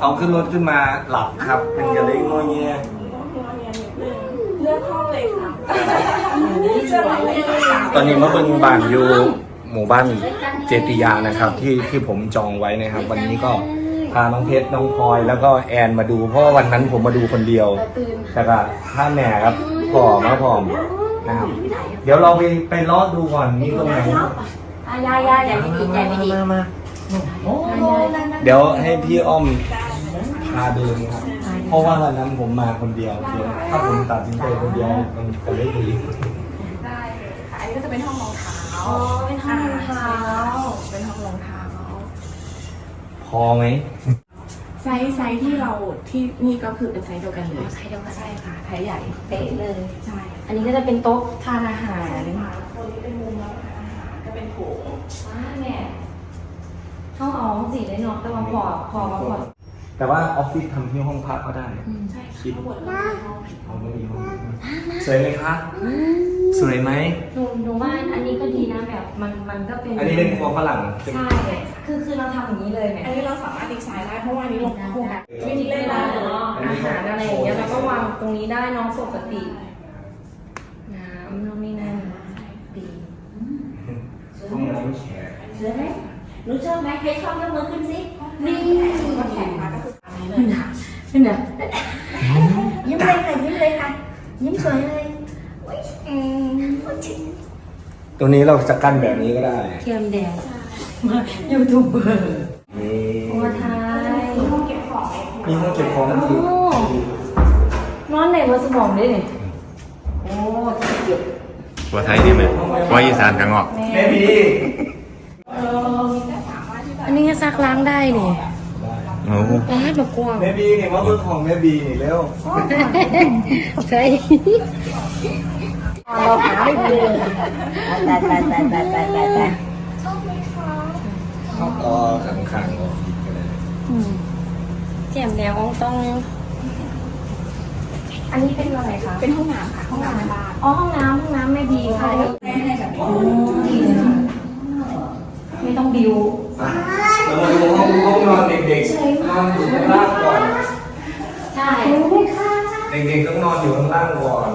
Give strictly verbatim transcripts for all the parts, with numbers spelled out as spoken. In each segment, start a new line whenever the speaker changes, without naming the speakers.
เอาขึ้นรถขึ้นมาหลับครับเป็นกระเล้งงอเงี้ย
เลือกห้องเลยค่ะ
ตอนนี้มาเบิ่งบ้านอยู่หมู่บ้านเจติยานะครับที่ที่ผมจองไว้นะครับ วันนี้ก็พาน้องเพชรน้องพลอยแล้วก็แอนมาดูเพราะว่าวันนั้นผมมาดูคนเดียวแต่ก็ถ้าแม่ครับพ่อมาพร้อมนะครับเดี๋ยวเราไปไปลอดดูก่อนมีตรงไหน
อายายาอย่าไม่ดีอย่าไม่ดี
มามาเดี๋ยวให้พี่อ้อมพาเดินครับเพราะว่าวันนั้นผมมาคนเดียวเดี๋ยวถ้าผมตัดสินใจคนเดียวมันจะไม่ดี
ได้ค่ะ อันนี้ก็จะเป็นห้องรองเท้า
อ๋อเป็นห้องรองเท้า
เป็นห้องรองเท้า
พอไหม
ไซส์ไซส์ที่เราที่นี่ก็คือเป็นไซส์เดียวกันเลย
ใช่เดียวกัน
ใช่ค่ะไซส์ใหญ่
เป๊ะเลย
ใช่
อันนี้ก็จะเป็นโต๊ะทานอาหาร
คนนี้เป็นมุมรับประทานอาหารก็เป็นโถง
ว้าแม่ห้องอ๋อสีได้เนาะแต่ว่าพอพอมาพอ
แต่ว่าออฟฟิศทำที่ห้องพักก็ได้
ใช่ค่ะทั้งหมดเราเป็นห้อง
ห้องไม่มีห้องสวยไหมคะสวยไหม
หนูหนูว่าอันนี้ก็ดีนะแบบมันมันก็เป็น
อันนี้เป็นครัวฝรั่งใช่ไหม
ใช่คือคือเราทำอย่างนี้เลยแม่
อันนี้เราสามารถดีไซน์ได้เพราะว่าอันนี้ลงโครงการวิธี
เว
เล่น
ลา
ได้
เนาะอาหารอะไรอย่างเงี้ยเราก็วางตรงนี้ได้เน้องปกติน้ำนู่นนี่นั่นดี
ห้องน้ำแขก
เชื่อไหมหนูชอบไหมใครชอบยกมือขึ้นสินี่
ก็แข่งมาก็คืออันนี้เลย
นี่นะนี่นะ
ยิ้มเลยค่ะยิ้มเลยค่ะยิ้มสวยเลยโอ้ยอืม
ตรงนี้เราจะกั้นแบบนี้ก็ได้
เทียมแดงมายูทูบเบอร์
นี่
โอ้ไทย
มีห้องเก็บของไหม
มีห้องเก็บของอีก
นอนไหนมาสมองด้วยนี่โอ้เก็บ
ว่าไทยนี่ไหมว่าอีสานกันงอก
แม่บี
เออมีแต่สามารถที่จะ
อันนี้ก็ซักล้างได้นี่
โอ้
ร้านแบบกว้าง
แม่บีนี่มาเบิ่งของแม่บีนี่เร็ว
ใช่เราหาไม่เจอ
ตายตายตายตายตายตายตาย
เข้าต่อข้างๆออฟฟิศก็ได้
เทียมแดงต้อง อันนี้เป็นอะไรคะ
เป็นห้องน้ำค่ะห้องน้ำในบ้าน
อ๋อห้องน้ำห้องน้ำแม่บีค่ะ
ให้ให้แบบนี้
ไม่ต้องบิว
เรามาดูห้องห้องนอนเด็กๆนอนอยู่ข้างล่างก่อน
ใช่
เด็กๆต้องนอนอยู่ข้างล่างก่อน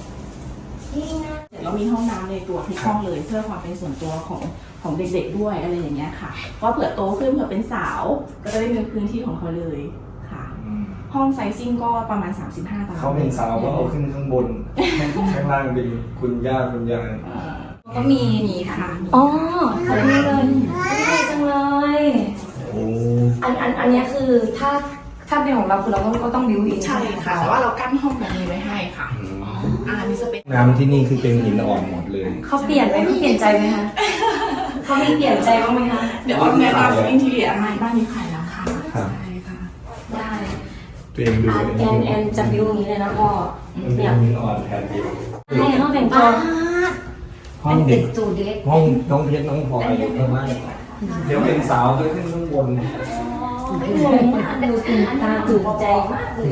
เรามีห้องน้ำในตัวทุกห้องเลยเพื่อความเป็นส่วนตัวของของเด็กๆด้วยอะไรอย่างเงี้ยค่ะก็เผื่อโตขึ้นเผื่อเป็นสาวก็จะได้มีพื้นที่ของเขาเลยค่ะ ห้องไซซิ่งก็ประมาณสามสิบห้าตาราง
เขาเป็นสาวก็เอาขึ้นข้างบน ข้างล่างเป็นคุณย่าคุณยาย
เอ่อ
ก็มี
มีค่ะ
อ๋อขอบคุณเลยดีจังเลย
โอ้
อันอันอันเนี้ยคือถ้าถ้าเป็นของเราคือเราก็ก็ต้องบิวอิน
ใช่ค่ะแต่ว่าเรากั้นห้องแบบนี้ไว้ให้ค่ะอ่านี่จะเป็น
น้ำที่นี่คือเป็นหินอ่อนหมดเลย
เขาเปลี่ยนไหมเขาเปลี่ยนใจไหมคะเขามีเปลี่ยนใจบ้างไหมคะ
เดี๋ยวเอาแนะนำอินทีเรียอะไรบ้านนี้ขายแล้วค่ะ
ครับ
ใช่ค่ะ
ได้
ตัวเองดู
อ่ะแอนแอนจะบิวอย่างนี้เลยนะพ่อ
มันเป็น
เนี่ย
หินอ่อนแผ่นเดียว
ให้ห้องแต่งตัว
ห้องเด็ก
จูเด็ก
ห้องน้องเพชรน้องพลอยอยู่ข้างล่างเดี๋ยวเป็นสาวจะขึ้นข้างบน
ไม่งงมากดูตื่นตาตื่นใจมากเลย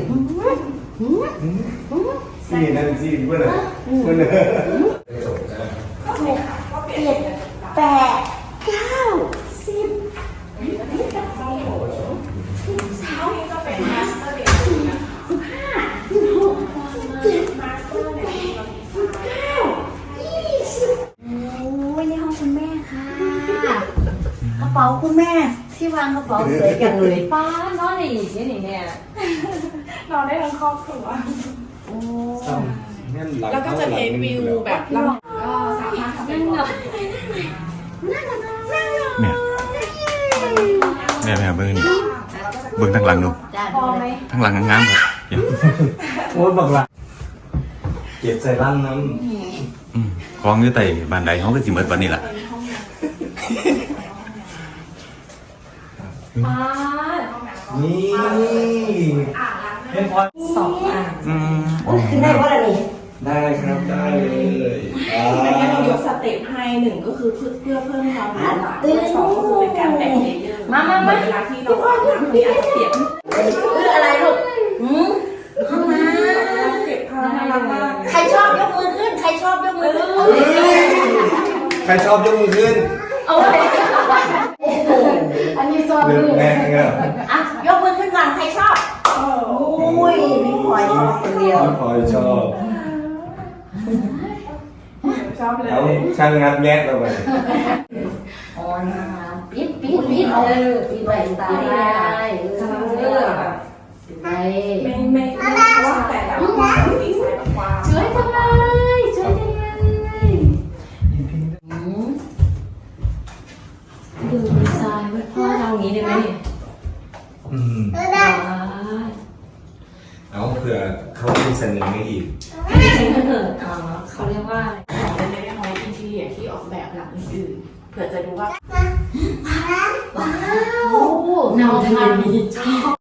ซีนั่นซีเพื่อนเลยเพื่อนเลย
เจ็ดแปดเก้าสิบ
เช้านี้จะเป็นมาสเตอร์เบดรูมนะคะ
สิบห้าสิบหกสิบเจ็ด
มาสเตอร์เนี่ยมีความ
สิบเก้ายี่สิบโอ้ยนี่ห้องคุณแม่ค่ะกระเป๋าคุณแม่ที่วางกระเป๋าสวยจังเลย
ป้านอนได้อีกนี่เนี่ย
นอนได้ทั้งครอบครัว
โอ้
แล้วก็จะเทควิวแบบเราก็สามารถทำเป็
นั่
น
ง
ห้
เนาะ
แม่แม่แม่เบิ้งนี่เบิ้งทั้งหลังดู
จ้า
พอไหม
ทั้งหลังงามๆครับเห็น
โอ้ยบักละเก็บใส่ร่างน้
อืมของอยู่ใต้บ้านใดเขาก็สิเมิดวันนี้ล่ะ
ป้า
ำนี่เป็นพอ
สองอ่ะ
อืม
ขึ้นได้ว่าอะไรนี่
ได้ครับได้เลยอ่า
ในนี้เรายกสเต็ปให้หนึ่งก็คือเพื่อเพื่อเพิ่มความหลากหลายด้วยสองก็คือเป็นการแบ่งเลเยอร์มามาเวลาที่เราอาบน้ำมีอาจจะเปลี่ยน
เอออะไรลูกหืมห้องน้
เก็บผ้าน่ารักมาก
ำใครชอบยกมือขึ้น ใครชอบยกมือขึ้น
ใครชอบยกมือขึ้น
เอาไปอันนี้ซอ
เลือก
ลูก
แม่เงี้ย
อ่ะยกมือขึ้นก่อน ใครชยพี่พลอยชอบคนเดียว
น้องพลอยชอบ
ชอบเลย
แล้วช่างงัดแงะเราไป
อ๋อนะปิดปิดปิดเออปิดไว้ตาได้เออปิดไว้
ไม่ไม่ไม่เพราะว่าแต่ละคนสีสายแบบความ
ช่วยจังเลยช่วยจังเลยอืม
ดูดีไซน์ว่าพ่อเราอย่างนี้ได้ไหมเนี่ย
อืม
ว้า
เอาเผื่อเขามีเสนอมาอีก
ยจริงๆเถอะอ๋อเขาเรียกว่าอะไร
ของเล็กๆน้อยๆอินทีเรียที่ออกแบบหลังอื่นๆเผื่อจะดูว่า
ว้าว
น้องทะเลมีชอบ